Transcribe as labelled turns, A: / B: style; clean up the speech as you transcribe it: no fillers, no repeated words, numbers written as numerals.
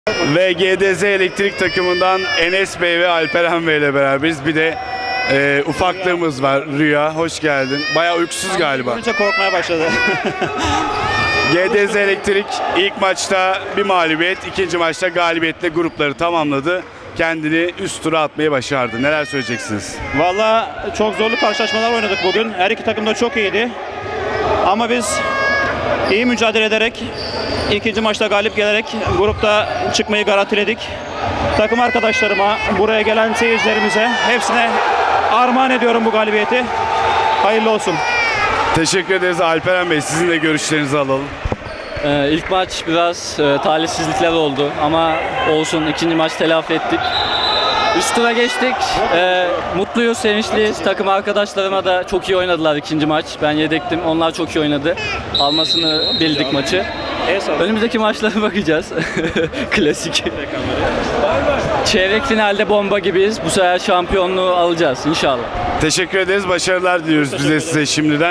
A: Ve GDZ Elektrik takımından Enes Bey ve Alperen Bey ile beraberiz. Bir de ufaklığımız var, Rüya. Hoş geldin. Bayağı uykusuz galiba.
B: Görünce korkmaya başladı.
A: GDZ Elektrik ilk maçta bir mağlubiyet, ikinci maçta galibiyetle grupları tamamladı. Kendini üst tura atmayı başardı. Neler söyleyeceksiniz?
B: Valla çok zorlu karşılaşmalar oynadık bugün. Her iki takım da çok iyiydi. Ama biz iyi mücadele ederek, ikinci maçta galip gelerek grupta çıkmayı garantiledik. Takım arkadaşlarıma, buraya gelen seyircilerimize hepsine armağan ediyorum bu galibiyeti. Hayırlı olsun.
A: Teşekkür ederiz Alperen Bey. Sizin de görüşlerinizi alalım.
C: İlk maç biraz talihsizlikler oldu ama olsun, ikinci maç telafi ettik. Üst tura geçtik. Mutluyuz, sevinçliyiz. Takım arkadaşlarıma da çok iyi oynadılar ikinci maç. Ben yedektim, onlar çok iyi oynadı. Almasını bildik maçı. Önümüzdeki maçlara bakacağız. Klasik. Çeyrek finalde bomba gibiyiz. Bu sefer şampiyonluğu alacağız inşallah.
A: Teşekkür ederiz. Başarılar diliyoruz bize size şimdiden.